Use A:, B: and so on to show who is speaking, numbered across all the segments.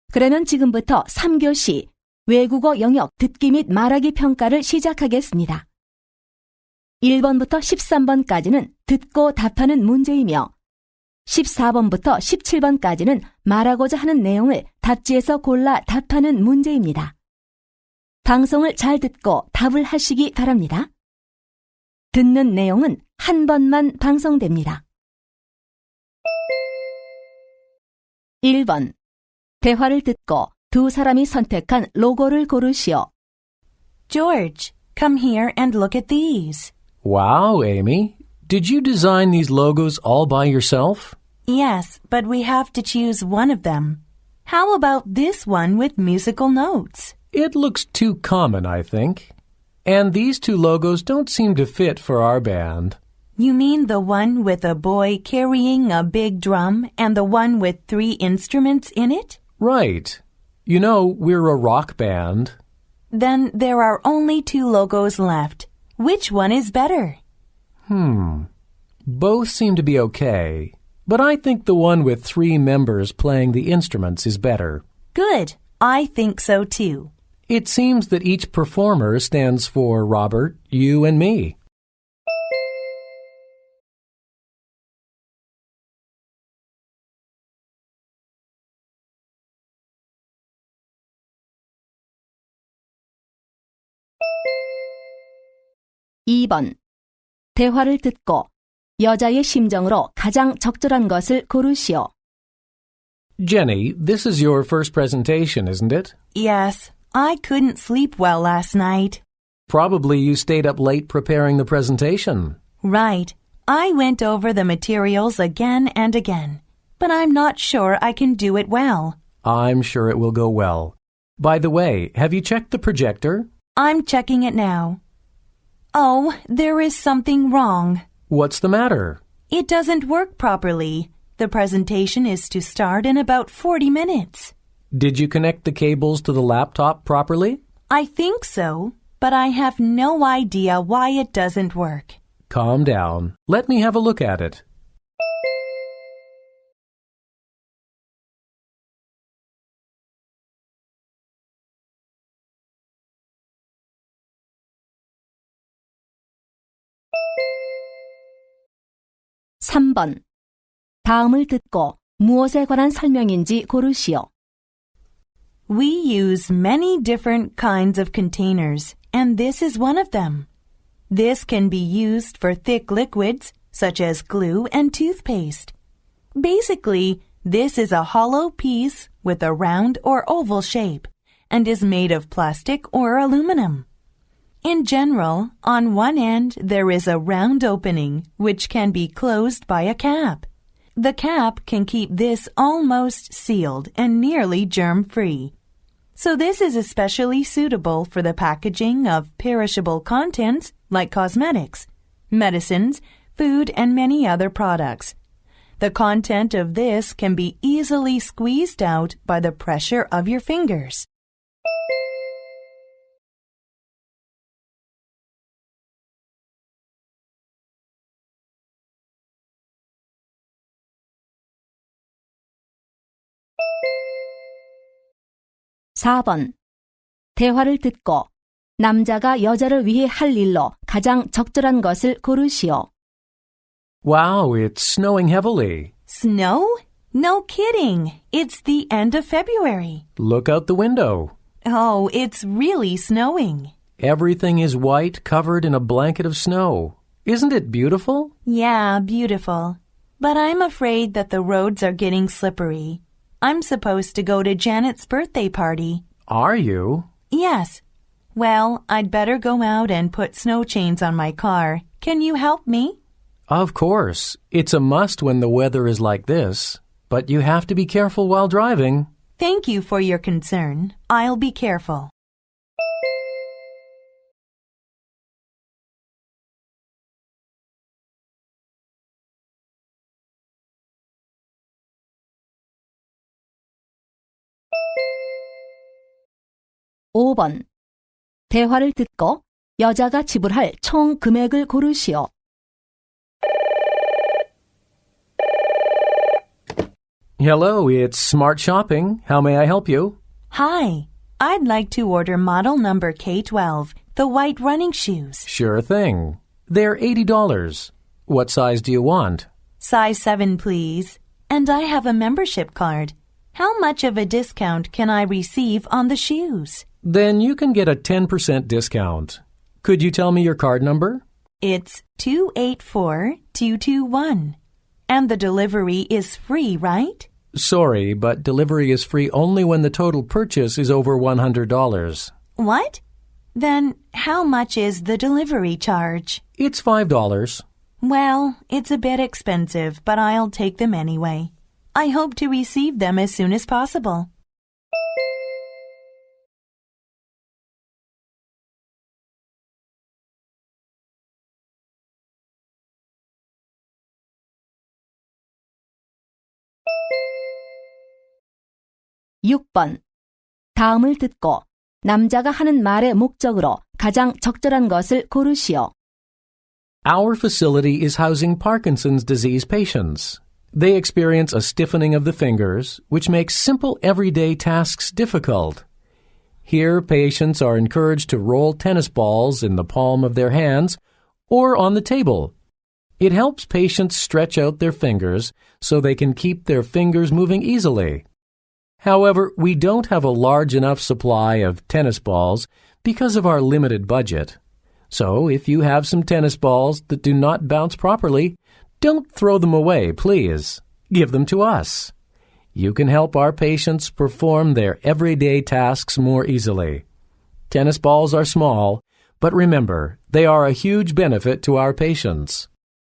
A: 그러면 지금부터 3교시 외국어 영역 듣기 및 말하기 평가를 시작하겠습니다. 1번부터 13번까지는 듣고 답하는 문제이며 14번부터 17번까지는 말하고자 하는 내용을 답지에서 골라 답하는 문제입니다. 방송을 잘 듣고 답을 하시기 바랍니다. 듣는 내용은 한 번만 방송됩니다. 1번. 대화를 듣고 두 사람이 선택한 로고를 고르시오.
B: George, come here and look at these.
C: Wow, Amy. Did you design these logos all by yourself?
B: Yes, but we have to choose one of them. How about this one with musical notes?
C: It looks too common, I think. And these two logos don't seem to fit for our band.
B: You mean the one with a boy carrying a big drum and the one with 3 instruments in it?
C: Right. You know, we're a rock band.
B: Then there are only 2 logos left. Which one is better?
C: Both seem to be okay, but I think the one with 3 members playing the instruments is better.
B: Good. I think so too.
C: It seems that each performer stands for Robert, you, and me.
A: (2번) 대화를 듣고 여자의 심정으로 가장 적절한 것을 고르시오.
C: Jenny, this is your first presentation, isn't it?
B: Yes, I couldn't sleep well last night.
C: Probably you stayed up late preparing the presentation.
B: Right. I went over the materials again and again, but I'm not sure I can do it well.
C: I'm sure it will go well. By the way, have you checked the projector?
B: I'm checking it now. Oh, there is something wrong.
C: What's the matter?
B: It doesn't work properly. The presentation is to start in about 40 minutes.
C: Did you connect the cables to the laptop properly?
B: I think so, but I have no idea why it doesn't work.
C: Calm down. Let me have a look at it.
A: (3번) 다음을 듣고 무엇에 관한 설명인지 고르시오.
B: We use many different kinds of containers, and this is one of them. This can be used for thick liquids, such as glue and toothpaste. Basically, this is a hollow piece with a round or oval shape, and is made of plastic or aluminum. In general, on one end there is a round opening, which can be closed by a cap. The cap can keep this almost sealed and nearly germ-free. So this is especially suitable for the packaging of perishable contents like cosmetics, medicines, food, and many other products. The content of this can be easily squeezed out by the pressure of your fingers.
A: (4번) 대화를 듣고 남자가 여자를 위해 할 일로 가장 적절한 것을 고르시오.
C: Wow, it's snowing heavily.
B: Snow? No kidding. It's the end of February.
C: Look out the window.
B: Oh, it's really snowing.
C: Everything is white, covered in a blanket of snow. Isn't it beautiful?
B: Yeah, beautiful. But I'm afraid that the roads are getting slippery. I'm supposed to go to Janet's birthday party.
C: Are you?
B: Yes. Well, I'd better go out and put snow chains on my car. Can you help me?
C: Of course. It's a must when the weather is like this. But you have to be careful while driving.
B: Thank you for your concern. I'll be careful.
A: (5번) 대화를 듣고 여자가 지불할 총 금액을 고르시오.
C: Hello, it's Smart Shopping. How may I help you?
B: Hi. I'd like to order model number K12, the white running shoes.
C: Sure thing. They're $80. What size do you want?
B: Size 7, please. And I have a membership card. How much of a discount can I receive on the shoes?
C: Then you can get a 10% discount. Could you tell me your card number?
B: It's 284221. And the delivery is free, right?
C: Sorry, but delivery is free only when the total purchase is over $100.
B: What? Then how much is the delivery charge?
C: It's $5.
B: Well, it's a bit expensive, but I'll take them anyway. I hope to receive them as soon as possible.
A: (6번) 다음을 듣고 남자가 하는 말의 목적으로 가장 적절한 것을 고르시오.
C: Our facility is housing Parkinson's disease patients. They experience a stiffening of the fingers, which makes simple everyday tasks difficult. Here, patients are encouraged to roll tennis balls in the palm of their hands or on the table. It helps patients stretch out their fingers so they can keep their fingers moving easily. However, we don't have a large enough supply of tennis balls because of our limited budget. So, if you have some tennis balls that do not bounce properly, don't throw them away, please. Give them to us. You can help our patients perform their everyday tasks more easily. Tennis balls are small, but remember, they are a huge benefit to our patients.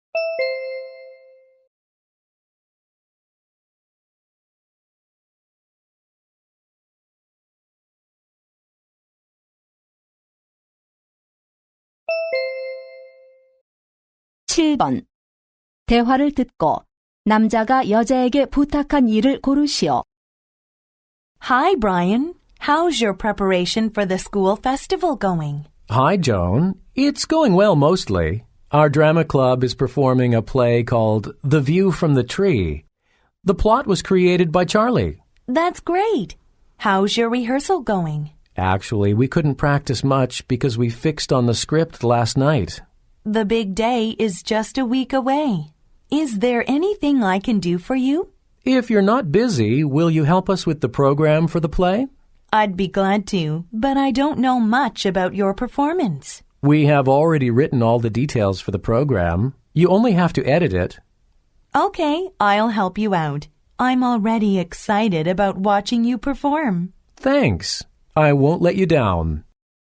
A: (7번) 대화를 듣고 남자가 여자에게 부탁한 일을 고르시오.
B: Hi, Brian. How's your preparation for the school festival going?
C: Hi, Joan. It's going well mostly. Our drama club is performing a play called The View from the Tree. The plot was created by Charlie.
B: That's great. How's your rehearsal going?
C: Actually, we couldn't practice much because we fixed on the script last night.
B: The big day is just a week away. Is there anything I can do for you?
C: If you're not busy, will you help us with the program for the play?
B: I'd be glad to, but I don't know much about your performance.
C: We have already written all the details for the program. You only have to edit it.
B: Okay, I'll help you out. I'm already excited about watching you perform.
C: Thanks. I won't let you down.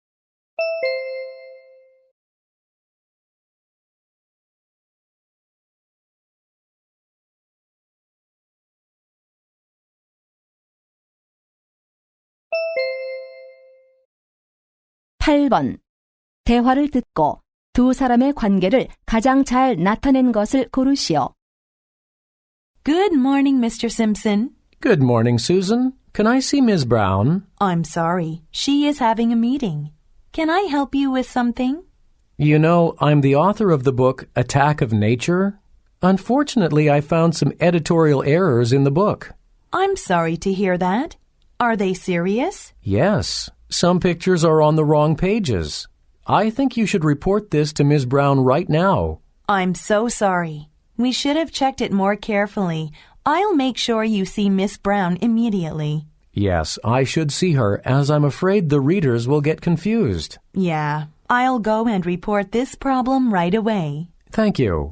A: (8번) 대화를 듣고 두 사람의 관계를 가장 잘 나타낸 것을 고르시오.
B: Good morning, Mr. Simpson.
C: Good morning, Susan. Can I see Ms. Brown?
B: I'm sorry. She is having a meeting. Can I help you with something?
C: You know, I'm the author of the book Attack of Nature. Unfortunately, I found some editorial errors in the book.
B: I'm sorry to hear that. Are they serious?
C: Yes. Some pictures are on the wrong pages. I think you should report this to Ms. Brown right now.
B: I'm so sorry. We should have checked it more carefully. I'll make sure you see Miss Brown immediately.
C: Yes, I should see her, as I'm afraid the readers will get confused.
B: Yeah, I'll go and report this problem right away.
C: Thank you.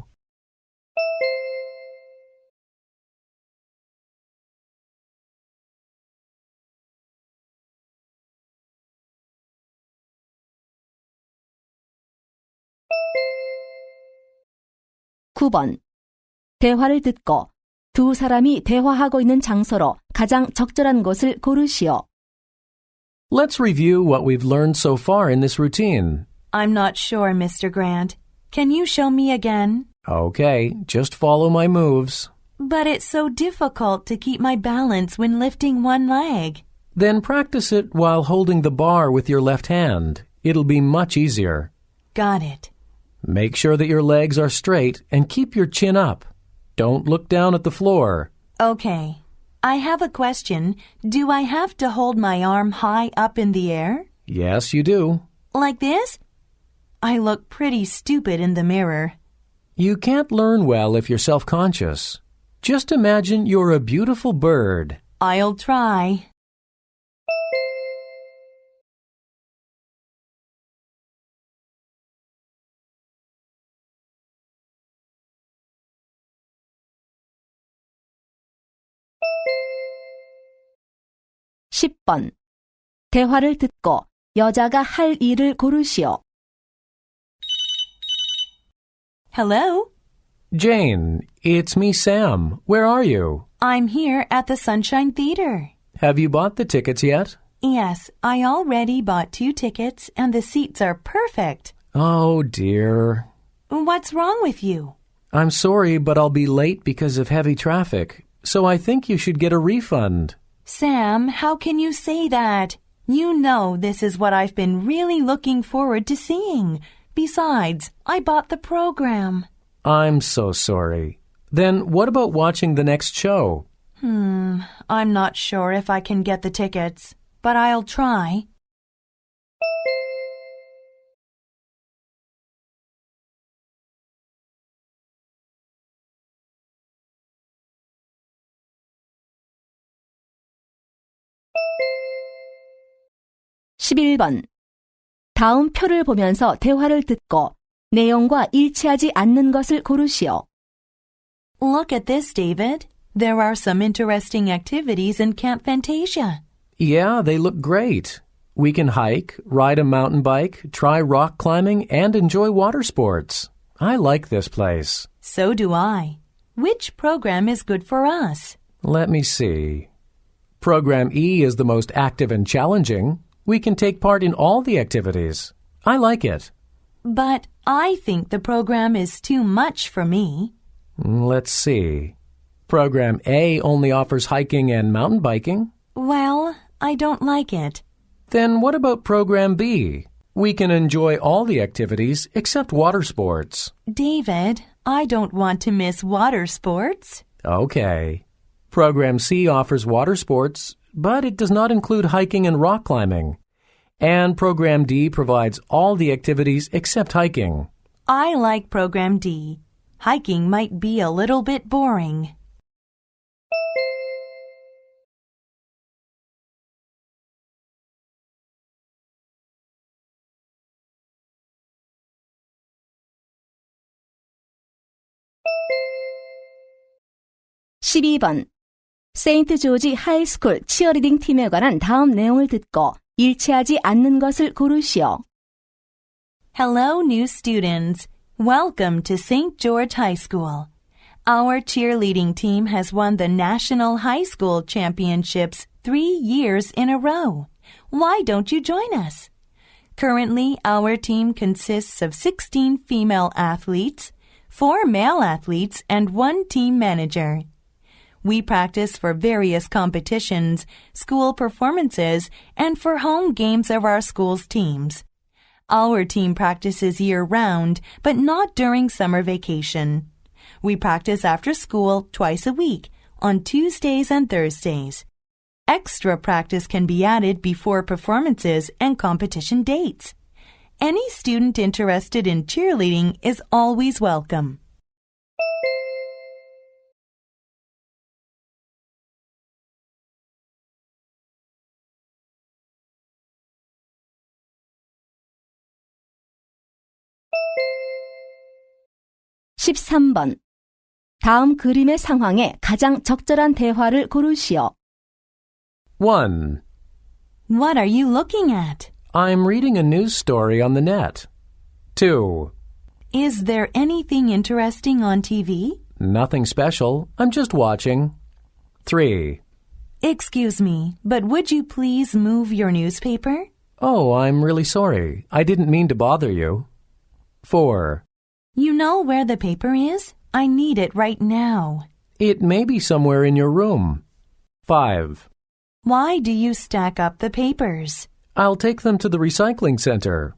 A: (9번) 대화를 듣고 두 사람이 대화하고 있는 장소로 가장 적절한 곳을 고르시오.
C: Let's review what we've learned so far in this routine.
B: I'm not sure, Mr. Grant. Can you show me again?
C: Okay, just follow my moves.
B: But it's so difficult to keep my balance when lifting one leg.
C: Then practice it while holding the bar with your left hand. It'll be much easier.
B: Got it.
C: Make sure that your legs are straight and keep your chin up. Don't look down at the floor.
B: Okay. I have a question. Do I have to hold my arm high up in the air?
C: Yes, you do.
B: Like this? I look pretty stupid in the mirror.
C: You can't learn well if you're self-conscious. Just imagine you're a beautiful bird.
B: I'll try.
A: 십 번 대화를 듣고 여자가 할 일을 고르시오.
B: Hello?
C: Jane, it's me, Sam. Where are you?
B: I'm here at the Sunshine Theater.
C: Have you bought the tickets yet?
B: Yes, I already bought 2 tickets and the seats are perfect.
C: Oh, dear.
B: What's wrong with you?
C: I'm sorry, but I'll be late because of heavy traffic, so I think you should get a refund.
B: Sam, how can you say that? You know this is what I've been really looking forward to seeing. Besides, I bought the program.
C: I'm so sorry. Then what about watching the next show?
B: I'm not sure if I can get the tickets, but I'll try.
A: 십일 번 다음 표를 보면서 대화를 듣고 내용과 일치하지 않는 것을 고르시오.
B: Look at this, David. There are some interesting activities in Camp Fantasia.
C: Yeah, they look great. We can hike, ride a mountain bike, try rock climbing, and enjoy water sports. I like this place.
B: So do I. Which program is good for us?
C: Let me see. Program E is the most active and challenging. We can take part in all the activities. I like it.
B: But I think the program is too much for me.
C: Let's see. Program A only offers hiking and mountain biking.
B: Well, I don't like it.
C: Then what about Program B? We can enjoy all the activities except water sports.
B: David, I don't want to miss water sports.
C: Okay. Program C offers water sports, but it does not include hiking and rock climbing. And Program D provides all the activities except hiking.
B: I like Program D. Hiking might be a little bit boring.
A: 십이 번 세인트 조지 하이스쿨 치어리딩 팀에 관한 다음 내용을 듣고 일치하지 않는 것을 고르시오.
B: Hello, new students. Welcome to St. George High School. Our cheerleading team has won the National High School Championships 3 years in a row. Why don't you join us? Currently, our team consists of 16 female athletes, 4 male athletes, and 1 team manager. We practice for various competitions, school performances, and for home games of our school's teams. Our team practices year-round, but not during summer vacation. We practice after school twice a week, on Tuesdays and Thursdays. Extra practice can be added before performances and competition dates. Any student interested in cheerleading is always welcome.
A: 십삼 번 다음 그림의 상황에 가장 적절한 대화를 고르시오.
C: 1.
B: What are you looking at?
C: I'm reading a news story on the net. 2.
B: Is there anything interesting on TV?
C: Nothing special. I'm just watching. 3.
B: Excuse me, but would you please move your newspaper?
C: Oh, I'm really sorry. I didn't mean to bother you. 4.
B: You know where the paper is? I need it right now.
C: It may be somewhere in your room. 5.
B: Why do you stack up the papers?
C: I'll take them to the recycling center.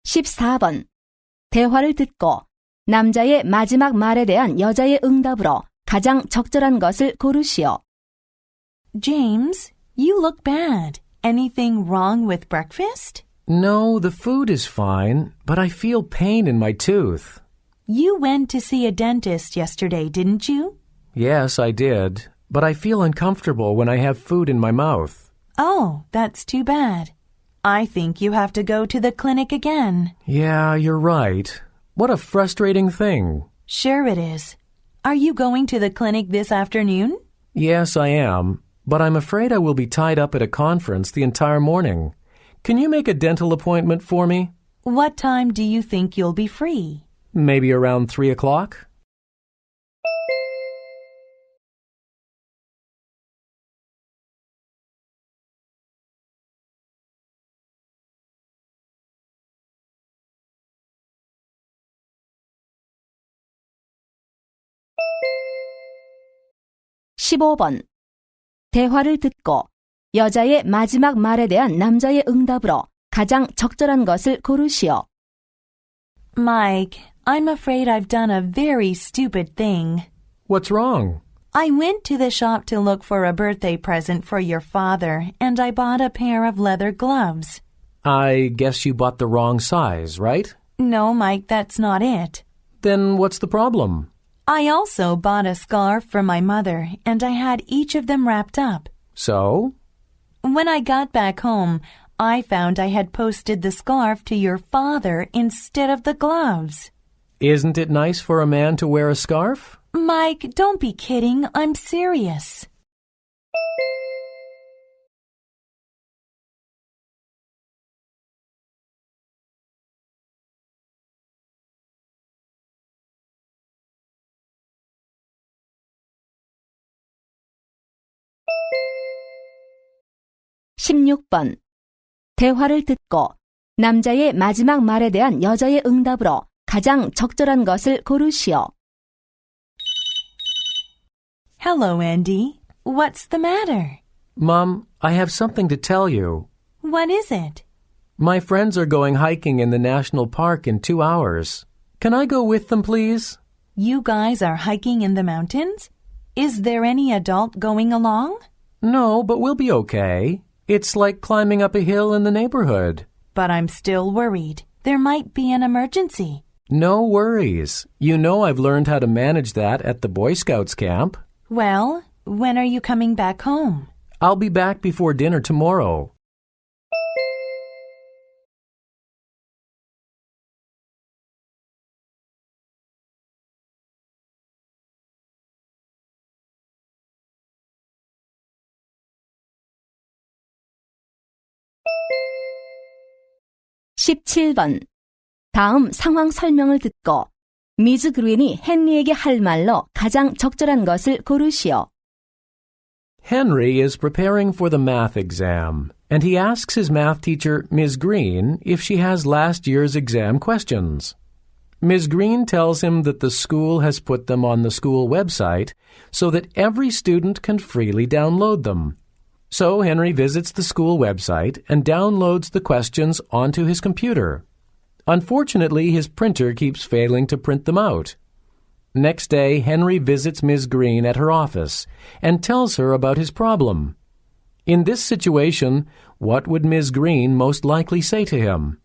A: 14번. 대화를 듣고 남자의 마지막 말에 대한 여자의 응답으로 가장 적절한 것을 고르시오.
B: James, you look bad. Anything wrong with breakfast?
C: No, the food is fine, but I feel pain in my tooth.
B: You went to see a dentist yesterday, didn't you?
C: Yes, I did, but I feel uncomfortable when I have food in my mouth.
B: Oh, that's too bad. I think you have to go to the clinic again.
C: Yeah, you're right. What a frustrating thing.
B: Sure it is. Are you going to the clinic this afternoon?
C: Yes, I am, but I'm afraid I will be tied up at a conference the entire morning. Can you make a dental appointment for me?
B: What time do you think you'll be free?
C: Maybe around 3 o'clock?
A: (15번) 대화를 듣고 여자의 마지막 말에 대한 남자의 응답으로 가장 적절한 것을 고르시오.
B: Mike, I'm afraid I've done a very stupid thing.
C: What's wrong?
B: I went to the shop to look for a birthday present for your father, and I bought a pair of leather gloves.
C: I guess you bought the wrong size, right?
B: No, Mike, that's not it.
C: Then what's the problem?
B: I also bought a scarf for my mother, and I had each of them wrapped up.
C: So?
B: When I got back home, I found I had posted the scarf to your father instead of the gloves.
C: Isn't it nice for a man to wear a scarf?
B: Mike, don't be kidding. I'm serious.
A: (16번) 대화를 듣고 남자의 마지막 말에 대한 여자의 응답으로 가장 적절한 것을 고르시오.
B: Hello, Andy. What's the matter?
C: Mom, I have something to tell you.
B: What is it?
C: My friends are going hiking in the national park in 2 hours. Can I go with them, please?
B: You guys are hiking in the mountains? Is there any adult going along?
C: No, but we'll be okay. It's like climbing up a hill in the neighborhood.
B: But I'm still worried. There might be an emergency.
C: No worries. You know I've learned how to manage that at the Boy Scouts camp.
B: Well, when are you coming back home?
C: I'll be back before dinner tomorrow.
A: (17번) 다음 상황 설명을 듣고 미즈 그린이 헨리에게 할 말로 가장 적절한 것을 고르시오.
C: Henry is preparing for the math exam, and he asks his math teacher, Ms. Green, if she has last year's exam questions. Ms. Green tells him that the school has put them on the school website so that every student can freely download them. So Henry visits the school website and downloads the questions onto his computer. Unfortunately, his printer keeps failing to print them out. Next day, Henry visits Ms. Green at her office and tells her about his problem. In this situation, what would Ms. Green most likely say to him?